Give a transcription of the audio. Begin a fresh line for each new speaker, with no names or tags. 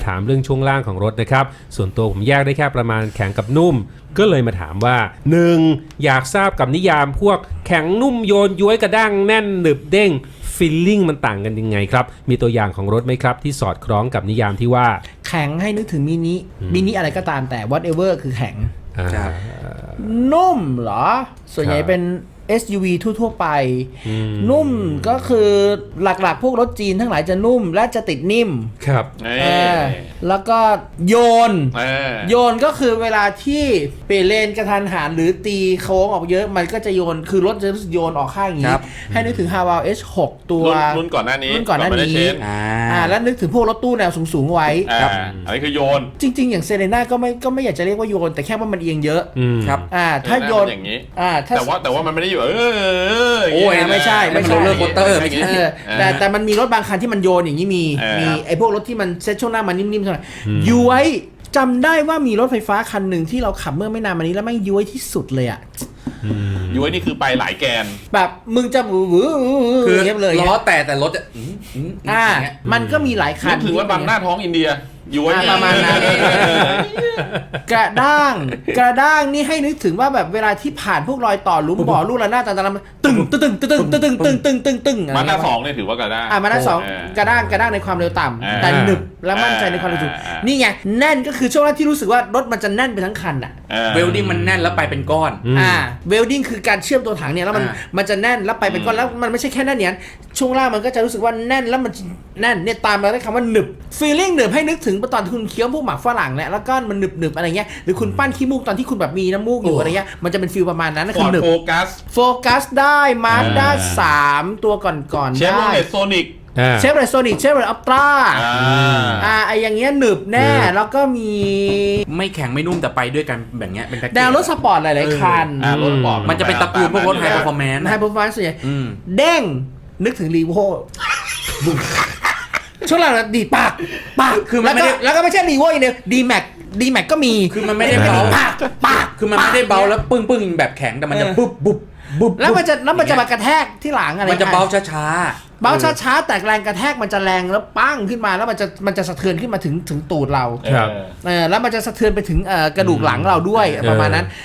ถามเรื่องช่วงล่างของรถนะครับส่วนตัวผมแยกได้แค่ประมาณแข็งกับนุ่มก็เลยมาถามว่า 1. อยากทราบกับนิยามพวกแข็งนุ่มโยนย้วยกระด้างแน่นหนึบเด้งฟีลลิ่งมันต่างกันยังไงครับมีตัวอย่างของรถไหมครับที่สอดคล้องกับนิยามที่ว่า
แข็งให้นึกถึงมินิอะไรก็ตามแต่ whatever คือแข็งนุ่มเหรอส่วนใหญ่เป็น SUV ทั่วๆไปนุ่มก็คือหลักๆพวกรถจีนทั้งหลายจะนุ่มและจะติดนิ่ม
ครับ
แล้วก็โยนก็คือเวลาที่เปลี่ยนเลนกระทันหันหรือตีโค้งออกเยอะมันก็จะโยนคือรถจะโยนออกข้างอย่างนี้ให้นึกถึง Haval H6 ตัว
รุ่นก่อนหน้านี้
แล้วนึกถึงพวกรถตู้แนวสูงๆไว้
อันนี้คือโยน
จริงๆอย่างเซเลน่าก็ไม่อยากจะเรียกว่าโยนแต่แค่ว่ามันเอียงเยอะ
ครับ
ถ้าโยน
อย่างนี้แต่ว่ามันไม่ได้อยู่
โอ้ยไม่ใช่
โรลเลอร์โคสเตอร์ไม่ใช่
แต่มันมีรถบางคันที่มันโยนอย่างนี้มีไอ้พวกรถที่มันเซ็ตช่วงหน้ามันนิ่มๆเท่าไหร่ย้วยจำได้ว่ามีรถไฟฟ้าคันหนึ่งที่เราขับเมื่อไม่นานมานี้แล้วไม่ย้วยที่สุดเลยอ่ะ
ย้วยนี่คือไปหลายแกน
แบบมึงจะ
คือล้อแต่รถ
มันก็มีหลายคัน
ถือว่าบางหน้าท้องอินเดียย้วย
ประมาณนั้นกระด้างนี่ให้นึกถึงว่าแบบเวลาที่ผ่านพวกรอยต่อหลุมบ่อลูกระนาดต่างๆตึง
มาหน้า2เนี่ยถือว่ากระด้าง
มาหน้า2กระด้างในความเร็วต่ำแต่หนึบและมั่นใจในความเร็วสูงนี่ไงแน่นก็คือช่วงแรกที่รู้สึกว่ารถมันจะแน่นไปทั้งคันอ่ะ
เวลดิ้งมันแน่นแล้วไปเป็นก้อน
เวลดิ้งคือการเชื่อมตัวถังเนี่ยแล้วมันจะแน่นแล้วไปเป็นก้อนแล้วมันไม่ใช่แค่แน่นเนี่ยช่วงล่างมันก็จะรู้สึกว่าแน่นแล้วมันแน่นเนี่ยตามมาด้วยคำว่าหนึบฟีลลิ่งหนึบให้นึกถึงตอนคุณเคี้ยวพวกหมักฝรั่งแล้วก็มันหนึบอะไรเงี้ยหรือคุณปั้นขี้มูกตอนที่คุณแบบมีน้ำมูกอยู่อะไรเงี้ยมันจะเป็นฟีลประมาณนั้นคือหนึบโฟกัสได้มาสด้า3ตัวก่อน
เชฟโรเลตโซนิก
เชฟโรเลตโซนิกเชฟโรเลตอัลตร้าไออย่างเงี้ยหนึบแน่แล้วก็มี
ไม่แข็งไม่นุ่มแต่ไปด้วยกันแบบเนี้ยเป็นแพ็คเกจ
แนวรถสปอร์ตหลายๆคัน
รถสปอร์ต
มันจะเป็นตระกูลพวกรถไฮเปอร์ฟอร์แมนซ์
ส่วนใหญ่เด้งนึกถึงรีโวช่วงหลังดีปากคือแล้วก็ไม่ใช่รีโวอย่างเดียวดีแม็กก็มี
คือมันไม่ได้เบาปากคือมันไม่ได้เบาแล้วปึ้งแบบแข็งแต่มันจะบุบ
แล้วมันจะมากระแทกที่หลังอะไร
มันจะเบาช้า
แต่แรงกระแทกมันจะแรงแล้วปั้งขึ้นมาแล้วมันจะสะเทือนขึ้นมาถึงตูดเราแล้วมันจะสะเทือนไปถึงกระดูกหลังเราด้วยประมาณนั้น